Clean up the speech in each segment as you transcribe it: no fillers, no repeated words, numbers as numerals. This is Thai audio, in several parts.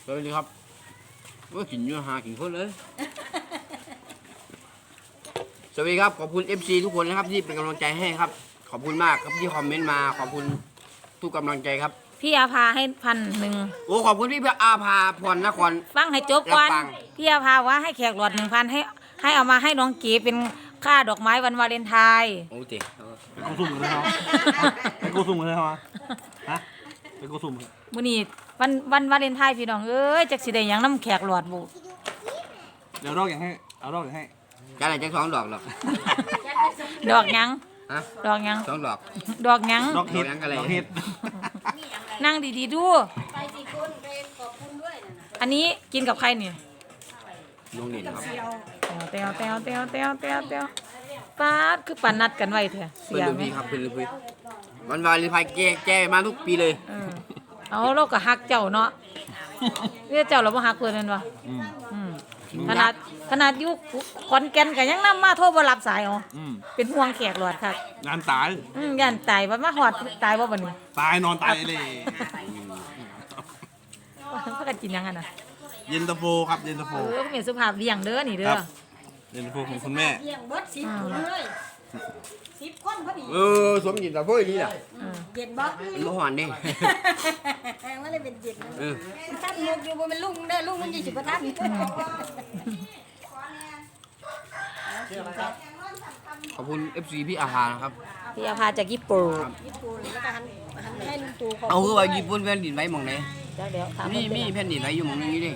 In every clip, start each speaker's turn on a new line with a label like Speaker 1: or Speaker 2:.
Speaker 1: สวัสดีครับว่ากินอยู่หากินคนเลยสวัสดีครับขอบคุณ FC ทุกคนนะครับที่เป็นกำลังใจให้ครับขอบคุณมากครับที่คอมเมนต์มาขอบคุณทุกกำลังใจครับ
Speaker 2: พี่อาภาให้1,000
Speaker 1: โอ้ขอบคุณพี่อาภาพรนคร
Speaker 2: ฟังให้จบก่อน
Speaker 1: รับฟัง
Speaker 2: พี่อาภาว่าให้แขกหลอด1,000ให้เอามาให้น้องเก๋เป็นค่าดอกไม้วันวาเลนไทน์
Speaker 1: โอ้เจ๋ง
Speaker 3: เป็นกูสุ่มเลยเหรอเป็นกูสุ่มเลยเหรอฮะเป็นกูสุ่มเลย
Speaker 2: มื้อนี้วันวาเลนไทน์พี่น้องเอ้ยจักสิได้หยังน้ำแขกหลอดบุ
Speaker 3: เดี๋ยวรอกอย่างให้เอารอกอย่างให้
Speaker 1: จะอะไรจะสองดอกหรอก
Speaker 2: ดอกหยัง
Speaker 1: ฮะ
Speaker 2: ดอกหยัง
Speaker 1: สองดอก
Speaker 2: ดอกหยัง
Speaker 3: ดอกเห็ด
Speaker 1: ดอกยังกะไร
Speaker 3: ดอกเห็ด
Speaker 2: นั่งดีๆดู
Speaker 4: ไปกี่คนไปขอบคุณด้วยนะ
Speaker 2: อันนี้กินกับใครนี่
Speaker 1: น้องเด่นครับ
Speaker 2: เตียวป๊าดคือปันนัดกันไว้เถอะเสี
Speaker 1: เป็น
Speaker 2: ย
Speaker 1: ลูก
Speaker 2: ไหม
Speaker 1: พี่ครับเป็นลูกพี่วันวาเลนไทน์แกมาทุกปีเลย
Speaker 2: เออเอาเราก็ฮักเจ้าเนาะเรียกเจ้าเราบ่ฮักเพิ่นแม่นบ่
Speaker 3: อืม
Speaker 2: อืมขนาดอยู่ขอนแก่นก็ยังนำมาโทรบ่รับสายอ๋อ
Speaker 3: อืม
Speaker 2: เป็นห่วงแขกหลอดค่ะ
Speaker 3: งานตาย
Speaker 2: ย่านตายว่ามาฮอดตายบ่บัดนี้
Speaker 3: ตายนอนตายเลย
Speaker 2: พากันกินหยังกันน่ะ
Speaker 3: เย็นตาโฟครับเย็นตาโฟ
Speaker 2: ก็มีสุภาพเลี้ยงเด้อนี่เด้
Speaker 3: ค
Speaker 2: อ
Speaker 3: รับ เย็นตาโฟของคุณแม่
Speaker 4: เลี้ยงเบิด10 คนเลย10 คนพอดี
Speaker 1: สมจิตแต่เพื่อนนี่แหละ
Speaker 2: เออ
Speaker 4: เย็นบ่
Speaker 1: มันบ่หอนดิ
Speaker 4: มันเลยเป็นเย็น
Speaker 1: เออ
Speaker 4: ท่านมุกอยู่บ่เป็นลุงเด้อลุงมันสิบ่ทัน
Speaker 1: ขอบคุณ FC พี่อาภานะครับ
Speaker 2: พี่อาภาจากญี่ปุ่น
Speaker 4: ญี่ปุ่นแล้วก็หันให้ลุงตู่ขอบ
Speaker 1: เอา
Speaker 4: คุ
Speaker 1: คือ
Speaker 4: ณ
Speaker 1: ว่าญี่ปุ่นแผ่นดินไหวหมองไหน
Speaker 2: จักเดี๋ยวถาม
Speaker 1: มี
Speaker 2: เพิ่น
Speaker 1: มีแผ่นดินไหวอยู่หมองนี้ดิ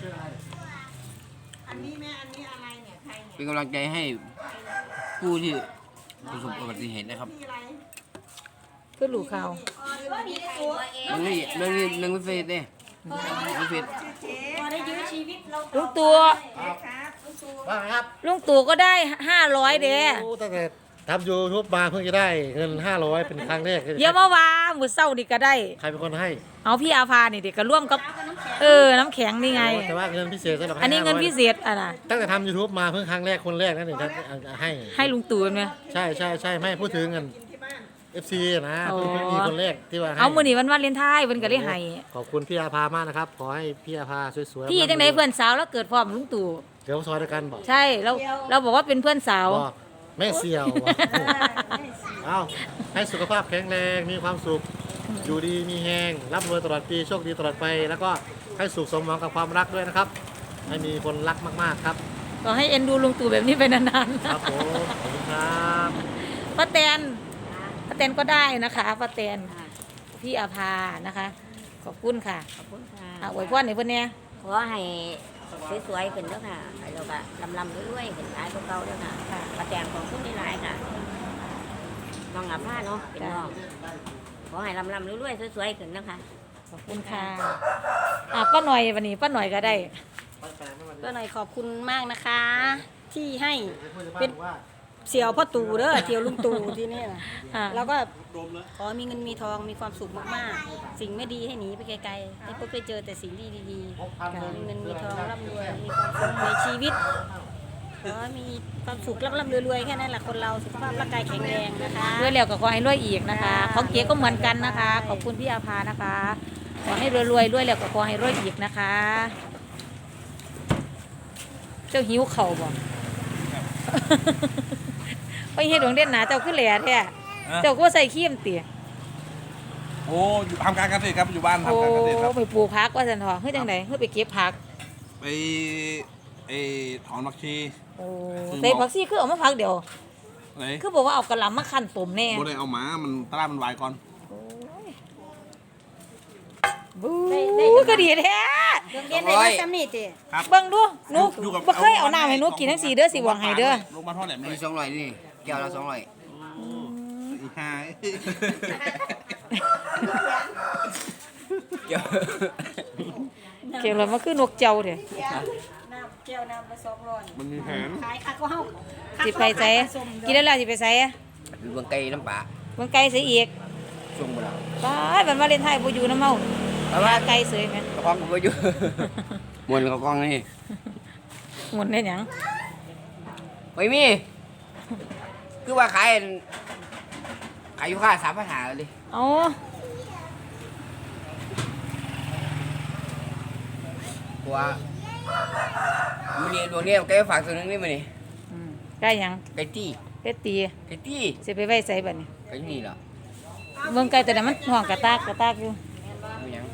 Speaker 4: อันนี้แม่อันนี้อะไรเนี่ยใครเนี่ย
Speaker 1: เป็นกำลังใจให้ผู้ที่ประสบอุบัติเหตุนะครับ
Speaker 2: คือลูกเขา
Speaker 4: มีตัวเอง
Speaker 1: เรื่องไม่เฟซเนี่ยไม่เฟซ
Speaker 4: พอได้ยื้อชีวิตเรา
Speaker 2: ลุงตู่
Speaker 4: ครับลุงตู่
Speaker 5: ว่าครับ
Speaker 2: ลุงตู่ก็ได้500เด้
Speaker 5: โอ้ตั้งแต่ทำยูทูบมาเพิ่งจะได้เงิน500เป็นครั้งแรก
Speaker 2: อย่ามาว่ามื้อเช้านี่ก็ได้
Speaker 5: ใครเป็นคนให้
Speaker 2: เอาพี่อาภานี่เด็กก็ร่วมกับน้ำแข็งนี่ไง
Speaker 5: แต่ว่าเงินพิเศษสำหรับ
Speaker 2: อันนี้เงินพิเศษอ่ะนะ
Speaker 5: ตั้งแต่ทำยูทูบมาเพิ่งครั้งแรกคนแรกนั่นเองให้
Speaker 2: ให้ลุงตู่ไหม
Speaker 5: ใช่ไม่พูดถึงเงิน FC นะ
Speaker 2: อ๋อ
Speaker 5: เพิ่งมีคนแรกที่ว่าให้
Speaker 2: เอามื้อนี้วันวาเลนไทน์เพิ่นก็ได้ให้
Speaker 5: ขอบคุณพี่อาภามากนะครับ ขอให้พี่อาภาสวยๆ
Speaker 2: พี่จังได๋เพื่อนสาวแล้วเกิดพร้อมลุงตู่
Speaker 5: เดี๋ยวซอยด้วยกันบอก
Speaker 2: ใช่เราบอกว่าเป็นเพื่อนสาว
Speaker 5: บอกแม่เสี่ยวบอกเอาให้สุขภาพแข็งแรงมีความสุขอยู่ดีมีแหงร่ำรวยตลอดปีโชคดีตลอดไป แล้วก็ให้สุขสมหวังกับความรักด้วยนะครับ ให้มีคนรักมากๆครับ
Speaker 2: ก็ให้เอ็นดูลุงตู่แบบนี้ไปนานๆ
Speaker 5: ครับผมขอบคุณครับ
Speaker 2: ป้าแตนก็ได้นะคะป้าแตนพี่อาภานะคะ ขอบคุณค่ะ
Speaker 4: ขอบคุณค่ะ
Speaker 2: อวยพรให้เพิ่นแหน่
Speaker 4: ขอให้สวยๆขึ้นเด้อค่ะแล้วก็ลำๆรวยๆขึ้นหลายกว่าเก่าเด้อค่ะประแตงของคุณหลายๆค่ะน้องอาภาเนาะเป็นน้องขอให้ลำๆรวยๆสวยๆขึ้นนะคะ
Speaker 2: ขอบคุณค่ะป้าหน่อยวันนี้ป้าหน่อยก็ได้
Speaker 4: ก็หน่อยขอบคุณมากนะคะ ที่ให้เป็นเสี่ยวพ่อตู่เด้อเสี่ยวลุงตู่ที่นี่นะ
Speaker 2: อ่า
Speaker 4: แล้วก็ขอมีเงินมีทองมีความสุขมากๆ สิ่งไม่ดีให้หนีไปไกลๆให้พบไปเจอแต่สิ่งดีๆขอมีเงินมีทองร่ำรวยมีความสุขในชีวิตขอมีความสุขร่ำรวยๆแค่นั้นแหละคนเราสุขภาพร่างกายแข็งแรงนะคะ
Speaker 2: รวยแล้วก็ขอให้รวยอีกนะคะของเก๋ก็เหมือนกันนะคะ ขอบคุณพี่อาภานะคะ ขอให้รวยแล้วก็ขอให้รวยอีกนะคะ เจ้าหิวเข่าบ่ ไปเฮ็ดดวงเด่นหนาเจ้าขึ้นแหล่แท้เจ้าก็ใส่ขี้มเตี๋ย
Speaker 3: โอ้อยู่ทำการเกษตรครับอยู่บ้าน
Speaker 2: โอ้
Speaker 3: ทำการเกษตรครับ
Speaker 2: ไปปลูกผักว่าซั่นเถาะเฮ็ดจังได๋เฮ็ดไปเก็บผัก
Speaker 3: ไปถอนผักชี
Speaker 2: โอ้ใส่ผักซี่คือเอามาผักเดียว
Speaker 3: ไหน
Speaker 2: คือบอกว่าเอากระหล่ำมาคั่นต้มแน่
Speaker 3: โบได้เอาหมามันตลาดมันวายก่อน
Speaker 2: บู๊ก็ดีแท้
Speaker 4: เรื่องเรียนได้มาซ้ำนี่ติ
Speaker 3: ครับ
Speaker 2: เบิ่งดูหนู
Speaker 3: อยู่กับ
Speaker 2: บ่เคยเอาน้ำให้หนูกินทั้ง4เด้อสิหวังให้เด้อ
Speaker 3: ลงมาเท่าไหร่ไม่
Speaker 1: มี
Speaker 3: ได้
Speaker 1: 200นี่แก้วละ200
Speaker 3: อีกห้า
Speaker 1: แก้ว
Speaker 2: เกี่ยวแล้วมันคือนกเจ้าเด้อ
Speaker 4: น้ำแก้วน้ำละ200
Speaker 3: มันมีแผน
Speaker 4: ขายค่ะก็เฮา
Speaker 2: สิไปไสกินแล้วสิไปไส
Speaker 1: เบื้องไก่น้ำปลา
Speaker 2: เบิ่งไก่สิอีก
Speaker 1: ช่วงเวลา
Speaker 2: ตายบัดวาเลนไทน์บ่อยู่นำเฮา
Speaker 1: เพราะว่า
Speaker 2: ไก่เสยแม่
Speaker 1: กระเพาะมันบ่อยู่ มวนกระกองนี่
Speaker 2: หมุนได้หยัง
Speaker 1: ไม่มี คือว่าขายอยู่ค่า3,500เลย
Speaker 2: เอา
Speaker 1: กลัวมันนี่ดวงนี้แกฝากตัวนึงนี่มันนี่
Speaker 2: ได้หยัง
Speaker 1: ไก่ตี้
Speaker 2: เป็ดตี
Speaker 1: ไก่ตี้
Speaker 2: สิไปไว้ใส่บัดนี้
Speaker 1: ไก่นี่เหรอ
Speaker 2: เบิ่งไก่ตัวนั้นมันห่วงกระตากอยู่
Speaker 1: ไม่ยัง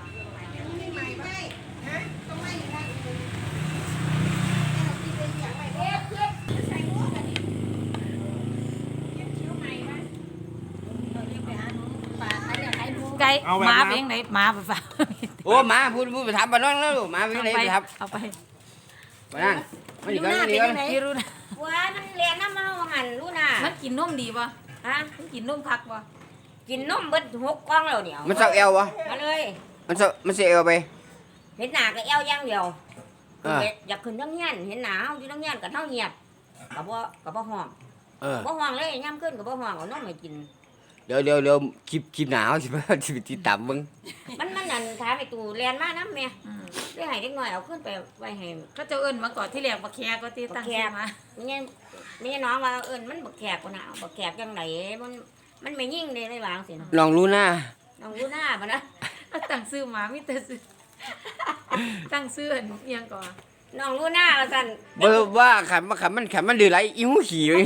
Speaker 2: ไก่
Speaker 3: เอาแบบ
Speaker 2: หมา
Speaker 3: นั้น
Speaker 2: เป็นยังไงหมาไปฝาก
Speaker 1: โอ้หมาพูดไปถามบ้านน้องแล้วหมาไปไหนไปถาม
Speaker 2: เอาไป
Speaker 1: บ้านนั่นไม่ดีกันไม่ดีกัน
Speaker 2: พี่รู้นะ
Speaker 4: ว้ามันเรียนน้ำมันหันรู้น่ะ
Speaker 2: มันกินนมดีป่ะ
Speaker 4: ฮะ
Speaker 2: มันกินนมคักป่ะ
Speaker 4: กินนมเบิด6กล่องแล้วเดี๋ยว
Speaker 1: มันเสาเอววะ
Speaker 4: มาเลย
Speaker 1: มันเสียเอวไป
Speaker 4: เห็นหน้าก็เอวอย่างเดียว
Speaker 1: อ่า
Speaker 4: อยากขึ้นทั้งเงี้ยนเห็นหน้าเฮาอยู่ทั้งเงี้ยนกับเฮาเงียบกับบ่ห้อง
Speaker 1: เออ
Speaker 4: บ่ห้องเลยย่ำขึ้นกับบ่ห้องเอานมให้กิน
Speaker 1: เดี๋ยวคลิปหนาวสิไปติดตามมึง
Speaker 4: มันนั่นถามไอ้ตู่เรียนมาน้ำแม่ได้ให้เด็กน้อยเอาขึ้นไปไว้ให้
Speaker 2: ก็จะเอิ้นมาก่อนที่แรกบักแคก็ตีตั้งชื่อมา
Speaker 4: นี่น้องว่าเอิ้นมันบักแขกกว่าน่ะบักแขกจังไหนมันไม่ยิ่งเลยไม่วางสินะ
Speaker 1: ลองรู้หน้า
Speaker 4: น้องรู้หน้าบ่นะ
Speaker 2: เอาตั้งซื้อหมามีแต่ซื้อตั้งซื้ออันเอียงก่อน
Speaker 4: น้องรู้หน้าว่าซั่น
Speaker 1: เบอร์ว่าขันมันดื้อไรอีหูขี่เลย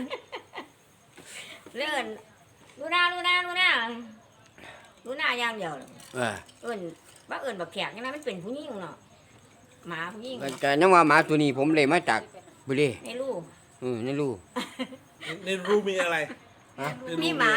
Speaker 4: เลื่อนรู้หน้าอย่างเดียวเลย
Speaker 1: เออ
Speaker 4: เอิ้นว่าเอิ้นบักแขกใช่ไหมมันเป็นผู้หญิงเนาะหมาผู้หญิง
Speaker 1: ก็ยังว่าหมาตัวนี้ผมเลยมาจากบุรี
Speaker 4: ในลูก
Speaker 1: นี่ลูก
Speaker 3: ในรูมีอะไร
Speaker 4: มีหมา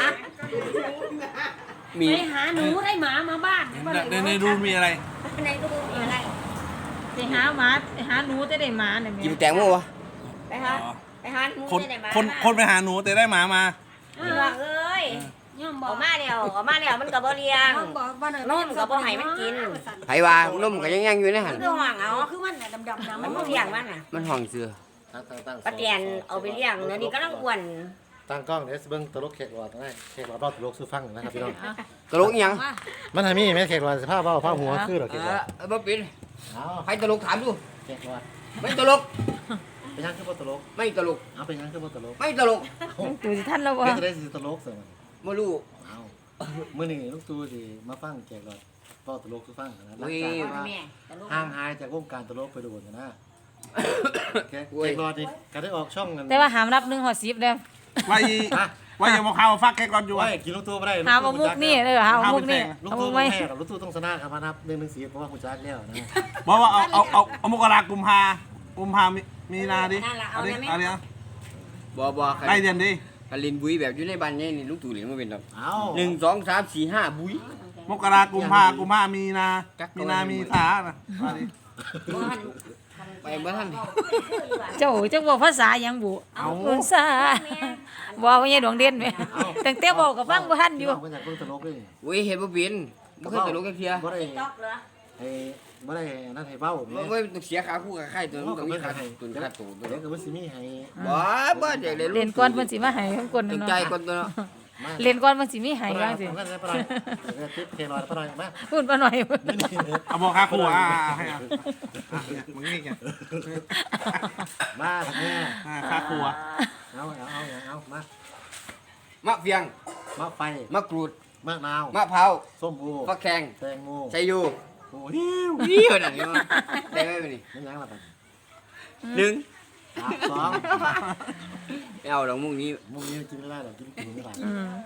Speaker 1: มี
Speaker 4: ไปหาหนูได้หมามาบ้าน
Speaker 3: ในรูมีอะไร
Speaker 4: ในลูกมีอะไร
Speaker 2: ไปหาหมาไปหาหนูจะได้หมาเนี่ยแม่
Speaker 1: กินแตงโมวะ
Speaker 4: ไปหาหนู
Speaker 3: คน
Speaker 4: ได้หมา
Speaker 3: คนไปหาหนูแต่ได้หมามา
Speaker 4: พี่น้องเอ้ยออกมาเดียวมันก็บ่เลี้ยงนมก็บ่ให้มันกิน
Speaker 1: ไผว่านมก็ยังอยู่ในหัน
Speaker 4: มันก็ห่วงเอาคือมันดำๆมันบ่เลี้ยงมันน่ะ
Speaker 1: มันห้องเสือ
Speaker 5: ตั้ง
Speaker 4: ปลาเตียนเอาไปเลี้ยงเดี๋ยวนี้กำลังอ้วน
Speaker 5: ตั้งกล้องเดี๋ยวเบิ่งตลกแขกหลอดนะแขกหลอดรอดตลกซื้อฟังนะครับพี่น้อง
Speaker 1: ตลกอีหยัง
Speaker 5: มันทำมีแม่แขกหลอดสภาพว่าผ้าหัวคือหรอแขกหลอด
Speaker 1: บ่ปิน
Speaker 5: เอา
Speaker 1: ไผตลกถามดู
Speaker 5: แขกหลอด
Speaker 1: ไม่ตลก
Speaker 5: เป็นยังคือบ่ตลก
Speaker 1: ไม่ตลก
Speaker 5: เอาเป็นยังคือบ่ตลก
Speaker 1: ไม่ตลก
Speaker 2: ดูสิท่านแล้วบ่
Speaker 5: เฮ็ดจะได้สิตลกเสมอ
Speaker 1: บ่รู้
Speaker 5: เอามื้อนี้ลูกตูสิมาฟังแขกหลอดรอดตลกซื้อฟังนะหลัง
Speaker 1: อุ้ย
Speaker 5: จากว่า
Speaker 4: แม่ตลก
Speaker 5: ห่างหายจากวงการตลกไปโดนนะแขกหลอดนี่ก็ได้ออกช่องกัน
Speaker 2: แต่ว่าหามรับ1 10เด้อ
Speaker 3: ไว้ไว้อย่ามาข่าวฟักแค่ก่อนอยู่
Speaker 5: ไว้
Speaker 3: วะ
Speaker 5: กินลูกตูบ่ได้
Speaker 2: หาบ่มุกนี่เด้อหาบ่มุกนี่
Speaker 5: ลูก
Speaker 2: เอา
Speaker 5: ตู
Speaker 2: มุก
Speaker 5: ไม่
Speaker 2: ไว้
Speaker 5: แพ้หรอกลูกตูต้องชนะครับมานับ1-4เพราะว่าคุณจักแล้วนะ
Speaker 3: บอกว่าเอามกรากุมภามีนาดิเอาดิเอาดิ
Speaker 1: บ่
Speaker 3: ไล่เดือนดิ
Speaker 1: กลินบุยแบบอยู่ในบ้านนี่นี่ลูกตู่เหรียญบ่เป็นดอก
Speaker 5: เอา
Speaker 1: 1 2 3 4 5บุย
Speaker 3: มกรากุมภามีนามีสานะมาดิ
Speaker 1: ไปบ่ทัน
Speaker 2: เจ้าจังบอกภาษาหยังบุภาษาบ่ว่าใหญ่ดวงเด่นแม่ตั้งแต่บอกก็ฟังบ่ทันอยู่
Speaker 5: เพิ่นอยากเบิ่งตลกเลย
Speaker 1: อุ้ยเฮ็ดบ่เป็นบ่เคยตลกจักเที่ย
Speaker 5: บ่ได้
Speaker 4: ต๊อกเหรอ
Speaker 5: ไอ้บ่ได้นั่นให้เว้า
Speaker 1: บ่ต้องเสียค่าคู่กับใครตัวมันต้องมีค่าตุนค่าตูตัว
Speaker 5: เดี๋ยวก็บ่สิมีให้
Speaker 1: บ่เด็ก
Speaker 2: เล่นก่อนเพิ่นสิมาให้เพิ่นกด
Speaker 1: ตั้ง
Speaker 2: เนาะ
Speaker 1: ใจก่อนตัวเนาะ
Speaker 5: มา
Speaker 2: เล่นก่อนเพิ่นสิมีให้ว่าสิ
Speaker 5: นั่นได้ปะหน่อยติ๊บเคลอยปะหน่อยมา
Speaker 2: พูดบ่หน่อย
Speaker 5: นี่
Speaker 3: เอาบอกค่าครัวให้มึงนี่ไง
Speaker 5: มาแม่
Speaker 3: ค่าครัว
Speaker 5: เอามาม
Speaker 1: ะเฟียง
Speaker 5: มะไฟ
Speaker 1: มะกรูด
Speaker 5: มะนาว
Speaker 1: มะพร้าว
Speaker 5: ส้มโอ
Speaker 1: ฟักแขง
Speaker 5: แตงโม
Speaker 1: ไชยู
Speaker 5: โอ้หิว
Speaker 1: นี่เหรอนั่นนี่ได้ไหมนี่
Speaker 5: มันยังล่ะบัด
Speaker 1: 1
Speaker 5: 2
Speaker 1: ไม่เอาดอกมุกนี้
Speaker 5: มุกนี้กินไม่ได้หรอกกินไม่ได้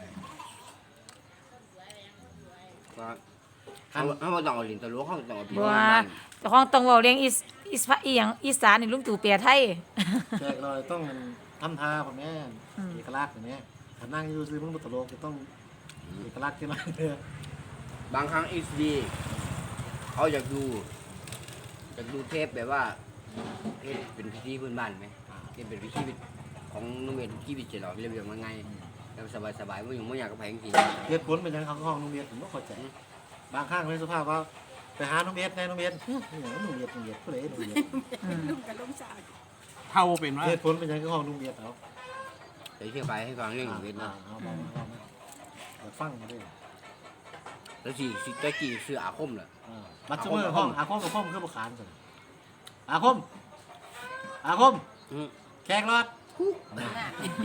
Speaker 1: เขาบ่ต้องเอาลิ้นตะลวกเขาต้องเอาพี่
Speaker 2: บ่
Speaker 1: น้อง
Speaker 2: ว่า
Speaker 1: บ้าน
Speaker 2: เจ้าของต้องเว้าเลี้ยงอีหยังอีสานนี่ลุงตู่แปลไทย
Speaker 5: แขกลอยต้องทำท่าพ่อแม่เอกลักษณ์อย่างนี้ถ้านั่งอยู่ซื้อมึงบ่ตลกก็ต้องเอกลักษณ์ขึ้นมา
Speaker 1: บางครั้ง HD เขาอยากดูเทปแบบว่าเทปเป็นพิธีพื้นบ้านไหมเทปเป็นพิธีของน้องเมย์พิธีพิจิตรเรียบเรียงมาไงแล้วสบายๆไม่อยู่ไม่อยากกับแพงจริง
Speaker 5: เหตุผลเป็นยังเขาห้องนุ่มเบียดผมก็เข้าใจบางข้างเป็นสุภาพว่าไปหานุ่มเบียดในนุ่มเบียดนุ่มเบียดผู้ใดนุ่มเบียด
Speaker 3: เท่าเป็นว่า
Speaker 5: เหตุผลเป็นยังห้องนุ่มเบียดเอา
Speaker 1: เดี๋ยวเชื่อไปให้ฟังเรื่องเวทนะ
Speaker 5: เอาฟังมาด้วย
Speaker 1: แล้วสิตะกี้เสื้ออาคมเหรอ
Speaker 5: มัดมือห้องอาคมกับห้องคือบุคคลกันอาคมแขกรอด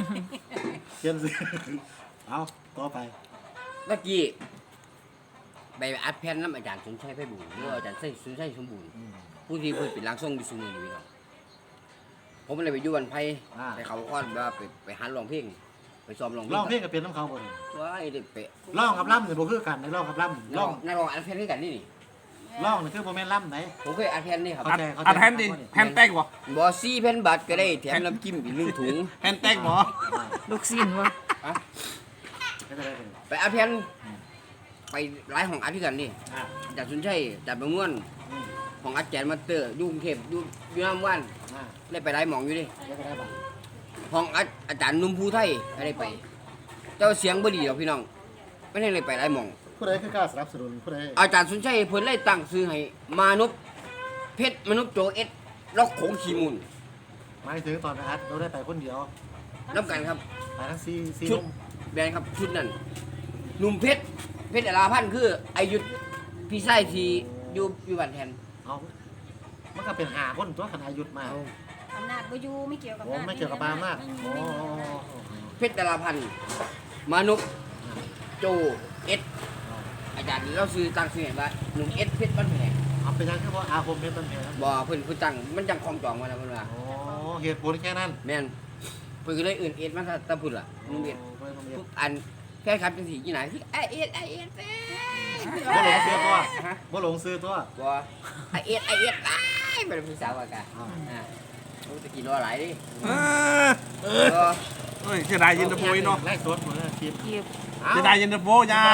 Speaker 5: เขียนสิเอาต่อไป
Speaker 1: ตะกี้ไปอัดแผ่นน้ำอาจารย์สมชัยไพบูลย์หรือว่าอาจารย์สมชัยสมบูรณ์ผู้ที่เพิ่นเป็นร่างทรงอยู่ซุมื้อนี้พี่น้องผมเลยไปอยู่วันไผไปเขาค้อนว่าไปหัดร้องเพลงไปซ้อมร้องเพลง
Speaker 5: ร้องเพลงกับเป็นน้ำเขาบ่นี่
Speaker 1: ว้ายได้ไป
Speaker 5: ร้องกับล่ำเนี่ยบ่คือกันในร้องกับล่ำ
Speaker 1: ร้
Speaker 5: ร้
Speaker 1: อ
Speaker 5: อง ง
Speaker 1: นักร้องอัดแผ่นด้วยกันนี่
Speaker 5: ร้องนี่คือบ่แม่นล่ำไหน
Speaker 1: ผมเคยอัดแผ่นนี่ครับ
Speaker 5: เข้าใจ
Speaker 3: อัดแผ่นดิแผ่นแตกบ่
Speaker 1: บ่4แผ่นบาทก็ได้แถมน้ำจิ้มอีก1ถุง
Speaker 3: แผ่นแตกบ่
Speaker 2: ลูกศิษย์บ่
Speaker 5: ไม่ได้เลย
Speaker 1: ไปอัดแผ่นไปหลายห้องอัดด้วยกันนี่
Speaker 5: อ่า
Speaker 1: จากสุนชัยจากบางม่วนห้องอัดแจนมาสเตอร์อยู่กรุงเทพอยู่น้ำว่าน
Speaker 5: อ่า
Speaker 1: ได้ไปหลายหม่องอยู่ดิ
Speaker 5: ไม่ได้บ่
Speaker 1: ห้องอาจารย์นุ่มภูไทยก็ได้ไป เจ้าเสียงบ่ดีหรอกพี่น้องไม่ได้เลยไปหลายหม่อง
Speaker 5: ผู้ใดคือกล้าสนับสนุนผู้ใด
Speaker 1: อาจารย์สุนชัยเพิ่นเลยตั้งชื่อให้มานพเพชรมนุษย์โจเอสล็อกโขงขีมูล
Speaker 5: หมายถึงตอนไปอัดเราได้ไปคนเดียว
Speaker 1: น้ำกันครับ
Speaker 5: ไปทั้งซี
Speaker 1: ชุด
Speaker 5: นุ่ม
Speaker 1: แบรนด์ครับชุดนั้นหนุ่มเพชรอราพันธ์คืออายุธพี่ชายที่อยู่บ้านแทน
Speaker 5: เอามันก็เป็น5คนตัวขนาดหยุดมา
Speaker 4: อำนาจบ่อยู่ไม่เกี่ยวกับ
Speaker 5: โอ้ไม่เกี่ยวกับปาล์มมากโอ้
Speaker 1: เพชรอราพันธ์มานพโจเอสอาจารย์เราซื้อตั้งชื่อให้ว่าหนุ่มเอสเพชรบ้านแพง
Speaker 5: เอาไปยังคือว่าอาคมเป็นต้นเหตุ
Speaker 1: บ่เพิ่นตั้งมันจังคลองจองมาแล้วเพิ่นว่า
Speaker 5: โอ้เหตุผลแค่นั้น
Speaker 1: แม่นเพิ่นก็เลยอื่นเอสมาซะตะพุ่นล่ะหนุ่มเอส
Speaker 5: โอ้ไม่ต้องเรียน
Speaker 1: ทุกอันแค่ครับจังซี่กี่ไหนที่เอสเอส
Speaker 5: บ่หลงซื้อตัวบ่หลงซื้อตัว
Speaker 1: บ่เอสตายบ่ได้ผู้สาวว่ากันโอ้ตะกี้รอหลายดิ
Speaker 3: เอ้ยเสียดายเย็นตาโฟอีเนาะ
Speaker 5: ไล่สดหมดเลยคลิป
Speaker 2: เก็บ
Speaker 3: เสียดายเย็นตาโฟอยา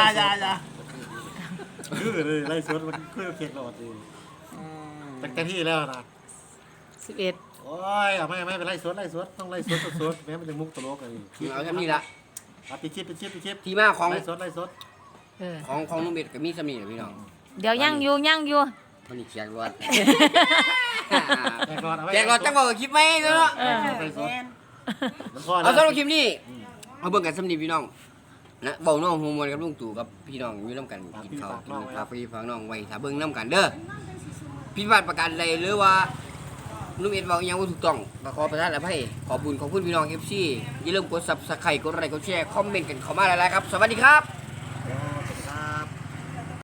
Speaker 5: คือเลยไล่สดมันคือเค้กหลอดดีตั้งแต่ที่แล้วนะ
Speaker 2: 11
Speaker 5: โอ้ยเอาไม่เป็นไล่สดต้องไล่สดแม้มันจะมุกตลกอะไร
Speaker 1: เอาแค่นี้ละ
Speaker 5: เอาปิดคลิป
Speaker 1: ที่มาของ
Speaker 5: ไล่สด
Speaker 2: เออ
Speaker 1: ของนุ่มเบ็ดกับมีสำนีนะพี่น้อง
Speaker 2: เดี๋ยวยังอยู่
Speaker 1: มันนี่แจกรวด
Speaker 5: แจกรอดเอาไว้
Speaker 1: แจกรวดจังบอกคลิปไหมเนาะ
Speaker 5: ไล่สดมันพอ
Speaker 1: เอา
Speaker 5: แล้ว
Speaker 1: สำหรับคลิปนี้เอาเบิ่งกันสำนีพี่น้องนะเบาน้องฮูมวนกับลุงตู่กับพี่น้องอยู่น้ำกันกินข้าวฝากพี่ฝากน้องไว้ถ้าเบิ่งน้ำกันเด้อผิดพลาดประการใดหรือว่านุ่มเอ็ดบอกยังว่าถูกต้องก็ขอประทานอภัยขอบคุณพี่น้อง FC อย่าลืมกด Subscribe กดไลค์กดแชร์คอมเมนต์กันเข้ามาหลายๆครับสวัสดีครับ